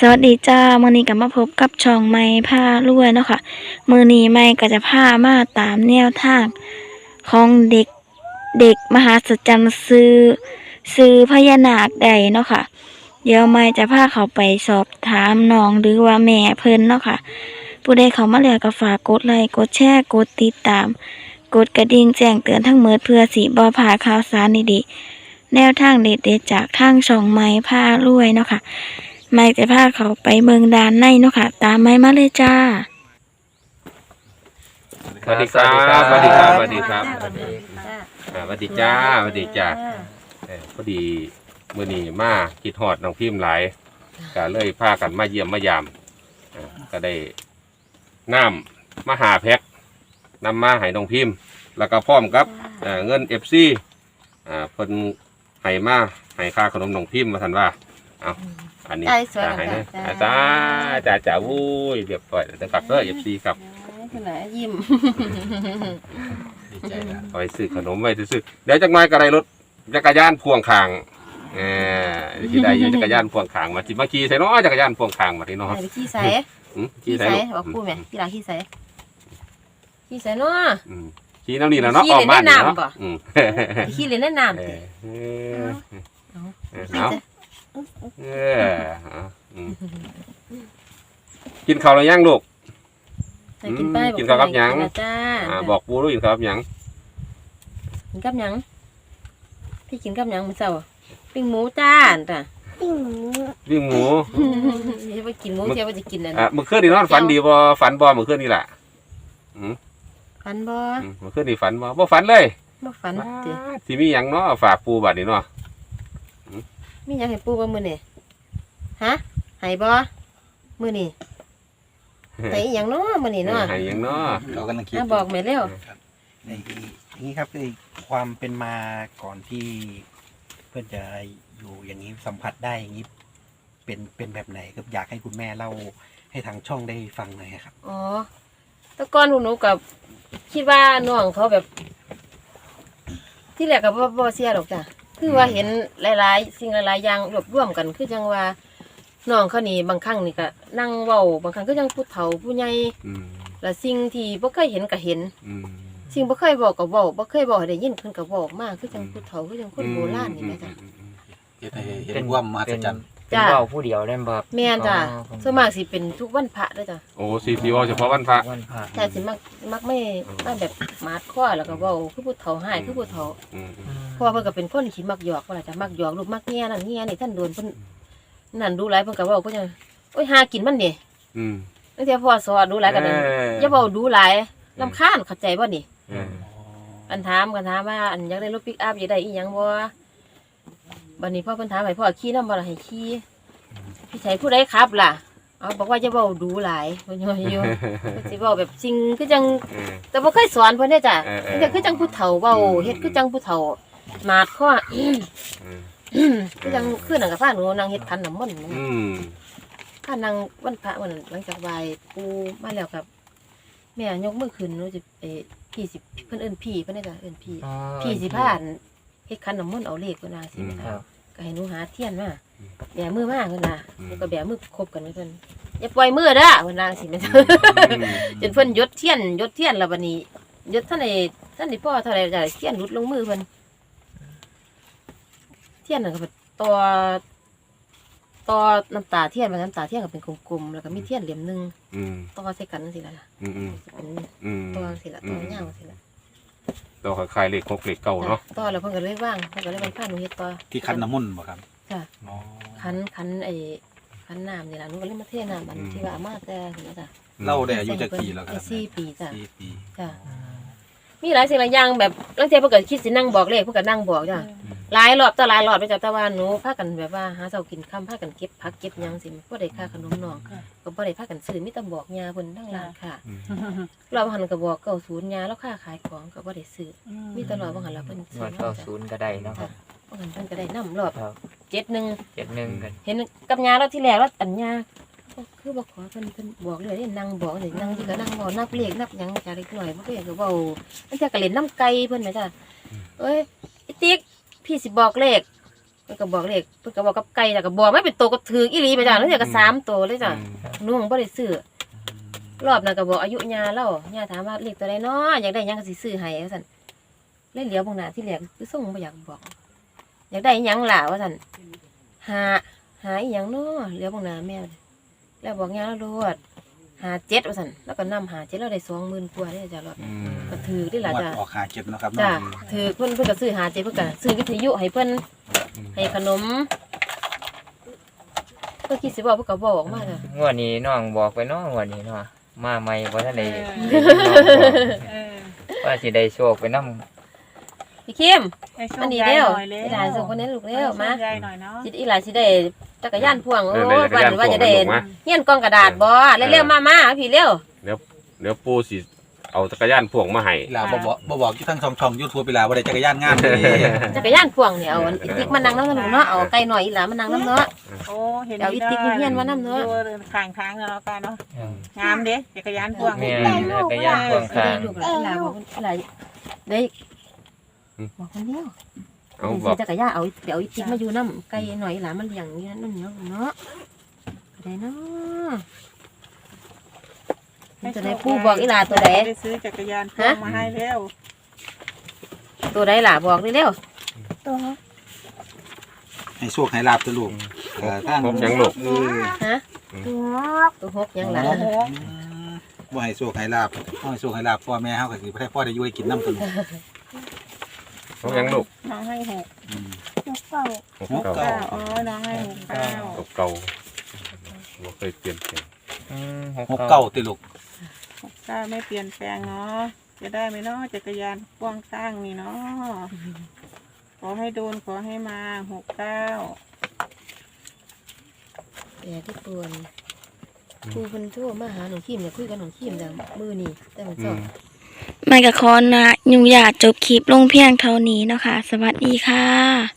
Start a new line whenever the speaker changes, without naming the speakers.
วัสดีจ้ามื้อนี้ก็มาพบกับช่องไม้ผ้ารวยเนาะค่ะมื้อนี้ไม้ก็จะพามาตามแนวทางของเด็กมหาสัจจรรย์ซื้อพญานาคได้เนาะค่ะเดี๋ยวไม้จะพาเขาไปสอบถามน้องหรือว่าแม่เพิ่นเนาะค่ะผู้ใดเข้ามาแล้วก็ฝากกดไลค์กดแชร์กดติดตามกดกระดิ่งแจ้งเตือนทั้งหมดเพื่อสิบ่พลาดข่าวสารดีๆแนวทางเด็ดๆจากทางช่องไม้ผ้ารวยเนาะค่ะไม่จะพาเขาไปเมืองดานในเนาะค่ะตามไม่มาเลยจ้า
สวัสดีครับสวัสดีครับสวัสดีครับ
สวัสดีค่ะ
สวัสดีจ้าสวัสดีจ้าพอดีมื้อนี้มาคิดฮอดน้องพิมพ์หลายก็เลยพากันมาเยี่ยมมายามก็ได้น้ำมาหาแพ็คนำมาให้น้องพิมพ์แล้วก็พร้อมกับเงิน FC เพิ่นให้มาให้ค่าขนมน้องพิมพ์มาทันว่าเอาอันนี้จะให้นะจ้าวุ้ยเรียบร้อยแต่ฝากเด้อ FC ครับ
คุณไหนยิ้ม
ดีใจนะไปซื้อขนมไว้ซื้อเดี๋ยวจักหน่อยก็ได้รถจักรยานพ่วงข้างที่ได้อยู่จักรยานพ่วงข้างมาสิมาขี่ใส่เนาะจักรยานพ่วงข้างมาที่เนาะ
ไปขี่ใส่ขี่ใส่บอกพูดไหมขี่หลังขี่ใส่ขี่ใส่เนาะ
ขี่น้ำนี่แล้วเนาะออกบ้านเนาะ
ขี่เล่นในน้ำ
กินข้าวแล้วยังลูก
กิน
ข้าวกับหยังบอกปูรู้กินข้าวกับหยัง
กินกับหยังพี่กินกับหยังมื้อเช้าปิ้งหมูจ้าจ้ะ
ปิ้งหมู
จะไปกินหมูจะไปจะกินอะไร
เมื่อคืนนี่นอนฝันดีบ่ฝันบ่เมื่อคืนนี่แหละ
ฝันบ่
เมื่อคืนนี่ฝันบ่ฝันเลย
บ่ฝัน
ที่มีหยังเนาะฝากปูบัดนี้เนาะ
มีหยังให้ปูบ่มื้อนี่ฮะให้บ่มื้อนี่ให้หยังเนาะมื้อนี่เนาะ
ให้หยังเนาะ
เรากำลังคิด
บอกแม่เร็ว
อย่างนี้ครับคือความเป็นมาก่อนที่เพื่อนจะอยู่อย่างนี้สัมผัสได้อย่างนี้เป็นแบบไหนครับอยากให้คุณแม่เล่าให้ทางช่องได้ฟังหน่อยครับ
อ๋อแต่ก่อนหนูกับคิดว่าน้องเขาแบบที่แรกกับบ่เสียหรอกจ้ะคือว่าเห็นหลายๆสิ่งหลายๆอย่างรวบรวมกันคือจังว่าน้องเขานี่บางครั้งนี่ก็นั่งเว้าบางครั้งก็ยังผู้เฒ่าผู้ใหญ่แล้วสิ่งที่บ่เคยเห็นก็เห็นสิ่งบ่เคยบอกก็บอกบ่เคยบอกให้ได้ยินเพิ่นก็บอกมากคือจังผู้เฒ่าคือจังคนโบราณนี่แม่จ้ะ
เป็นความมหัศจรรย์
จ้ะ
เว้าผู้เดียวได้บ่
แม่นจ้ะส่วนมากสิเป็นทุกวันพระเด้อจ้ะ
โอ้สิว่าเฉพาะวันพระ
ใช่สิมักไม่แบบมาดข้อแล้วก็เว้าคือผู้เฒ่าหายคือผู้เฒ่าเพราะว่าเพิ่นก็เป็นคนขี้มักหยอกว่าล่ะจ้ะมักหยอกลูกมักแง่นั่นแง่นี่ท่านโดนเพิ่นนั่นดูหลายเพิ่นก็เว้าเพิ่นจังโอ้ยหากินมันนี่ตั้งแต่พ่อสอนดูหลายกันนั่นอย่าเว้าดูหลายรำคาญเข้าใจบ่นี่อันถามกันถามว่าอันอยากได้รถปิกอัพอยากได้อีหยังบ่บัดนี้พ่อเพิ่นถามให้พ่อขี่นำบ่ล่ะให้ขี่พี่ชัยผู้ใดขับล่ะเอาบอกว่าจะเว้าดูหลายเพิ่นอยู่เพิ่นสิเว้าแบบจริงคือจังแต่บ่เคยสอนเพิ่นเด้จ้ะแต่คือจังผู้เฒ่าเว้าเฮ็ดคือจังผู้เฒ่ามาดข้อคือจังคือนั่นก็พาหนูนั่งเฮ็ดขันน้ำมนต์พานั่งวันพระวันหลังจากไหว้ปู่มาแล้วครับแม่ยกมือขึ้นหนูจะพี่สิเพิ่นเอิ้นพี่เพิ่นได้จ้ะเอิ้นพี่สิพาเฮ็ดขันน้ำมนต์เอาเลขเพิ่นว่าสิแม่ครับก็ให้หนูหาเทียนมาแบมือมาเพิ่นน่ะหนูก็แบมือคบกันเพิ่นอย่าปล่อยมือเด้อเพิ่นว่าสิแม่จนเพิ่นยดเทียนแล้วบัดนี้ยดท่านได้พ่อเท่าใดจ้ะเทียนหลุดลงมือเพิ่นเทียนน่ะก็ต่อน้ำตาเทียนน้ำตาเทียนก็เป็นกลมๆแล้วก็มีเทียนเหลี่ยมนึงต่อใส่กันจังซี่ล่ะเป็นต่อสิล่ะต่อยาวสิล่ะ
ต่อคล้ายๆเลข6เลข9เนาะ
ต่อแล้วเพิ่นก็เลยว่างเพิ่นก็เลยไปพาหนูเฮ็ดต่อ
ที่คันน้ำมนต์บ่ครับ
จ้ะคันคันน้ำนี่ล่ะหนูก็เลยมาเทน้ำบัดที่ว่ามาแต่นี่จ้ะ
เล่าได้อายุจักปีแล้วครับ
4 ปีจ้ะ
4 ปี
จ้ะมีหลายสิ่งหลายอย่างแบบบางทีเพิ่นก็คิดสินั่งบอกเลขเพิ่นก็นั่งบอกจ้ะหลายรอบต่อหลายรอบไปจ้ะแต่ว่าหนูพากันแบบว่าหาเช้ากินค่ำพากันเก็บผักเก็บหยังสิบ่ได้ค่าขนมน้องก็บ่ได้พากันซื้อมีแต่บอกยาเพิ่นทั้งร้านค่ะรอบหันก็บอก90ยาแล้วค่าขายของก็บ่ได้ซื้อมีตลอดบ่หันแล้วเพิ่นซื้อ
90ก็ได้เนาะครับ
บ่หันเพิ่นก็ได้นำรอบ71
กัน
เห็นกับยาเราที่แรกเราตัญญาคือบ่ขอเพิ่นบอกเลยนั่งบอกเลยนั่งที่ก็นั่งบ่นับเลขนับหยังจ้ะเล็กน้อยบ่เคยก็เว้าอันจะก็เล่นน้ำไก่เพิ่นแม่จ้ะเอ้ยไอ้ติ๊กพี่สิบอกเลขเพิ่นก็บอกเลขเพิ่นก็บอกกับไก่แล้วก็บอกไม่เป็นตัวก็ถืออีหลีไปจ้ะแล้วเดี๋ยวก็3ตัวเลยจ้ะนุ่งบ่ได้ซื้อรอบนั้นก็บอกอายุย่าแล้วย่าถามว่าเลขตัวใดน้ออยากได้หยังก็สิซื้อให้ว่าซั่นเลยเหลียวเบิ่งหน้าที่แรกคือส่งบ่อยากบอกอยากได้หยังล่ะว่าซั่นหาอีหยังน้อเหลียวเบิ่งหน้าแม่แล้วบอกย่าแล้วโลด57ว่าซั่นแล้วก็นำ57แล้วได้ 20,000 กว่าเด้อจ้ะรอบก็ถือได้ล่ะ
งวด
จ้ะ
ออกหาเจ็ดนะครับ
จ้ะ
เนาะ
ถือเพิ่นก็ซื้อ57เพิ่นก็ซื้อวิทยุให้เพิ่นให้ขนมเพิ่นคิดสิบอกเพิ่นก็บอกออกมาจ้ะ
งวดนี้น้องบอกไปเนาะงวดนี้เนาะมาใหม่บ่ทันได้ว่าสิได้โชคไปนำ
พี่คิม
ให้โช
อั
คน
นี้
ใหญ่
เร็ว
หน่อยเร็ว
อีหลานส่งคนนี้ลูกเร็วมา
ให้โชคใหญ่หน่อยเนาะ
จิตอีหลานสิได้จักรยานพ่วงโอ้
ได้จักรยาน
ว่าจะได้
พ่วงมา
เฮียนกล่องกระดาษบ่เร็วๆมาพี่เร็ว
เดี๋ยวปูสิเอาจักรยานพ่วงมาให้
อีหลาบอกอยู่ทั้งช่องYouTube อีหลาบ่ได้จักรยานงามเลย
จักรยานพ่วงเนี่ยเอาอันอีติ๊กมานั่งนำลูกเนาะเอาไก่หน่อยอีหลานมานั่งนำเนาะ
โอ้เห็น
เดี๋ยวอีติ๊กเฮียนมานำเนอะ
อยู่ข้างทางแล้วกันเนาะงามเด้จักรยานพ่วง
แม่จักรยานพ่วงข้าง
ลูกหลานอีหลานบอกอีหลานได้บอกคนเดียว
เอาบ
ซื้
อ
อก จักรยานเอาเดี๋ยวอีติ๊กมาอยู่นำไก่หน่อยอีหลานมันเลี้ยงอยู่นั่นเนาะเนาะได้เนาะจะได้ปู่บอกอีหลานตัวใด
ได้ซื้อจักรยานพ่วงมาให้แล้ว
ตัวใดล่ะบอกเร็ว
ให้โชคให้ลาบตัวลูกทาง
พบยังลูก
ฮะตัวหกยังล่ะ
โอ้โห
บ่ให้โชคให้ลาบบ่ให้โชคให้ลาบพ่อแม่เฮาก็สิบ่ได้พ่อได้อยู่ให้กินน้ำตัวลูก
พบยังลูก
น้องให้6
หกเก่า
9อ๋อน้องให้6
หกเก่าบ่เคยเปลี่ยนแปลง
หกเก้าติลูก
9ไม่เปลี่ยนแปลงเนาะจะได้ไหมเนาะจักรยานพ่วงข้างนี่เนาะขอให้โดนขอให้มา69
แต่ที่ปวนครูเพิ่นโทรมาหาหนูขีมเนี่ยคุยกับหนูขีมจังมื้อนี้แต่มันสอบ
ไม่กะคอนนะยุงอยากจบคลิปลงเพียงเท่านี้เนาะค่ะ สวัสดีค่ะ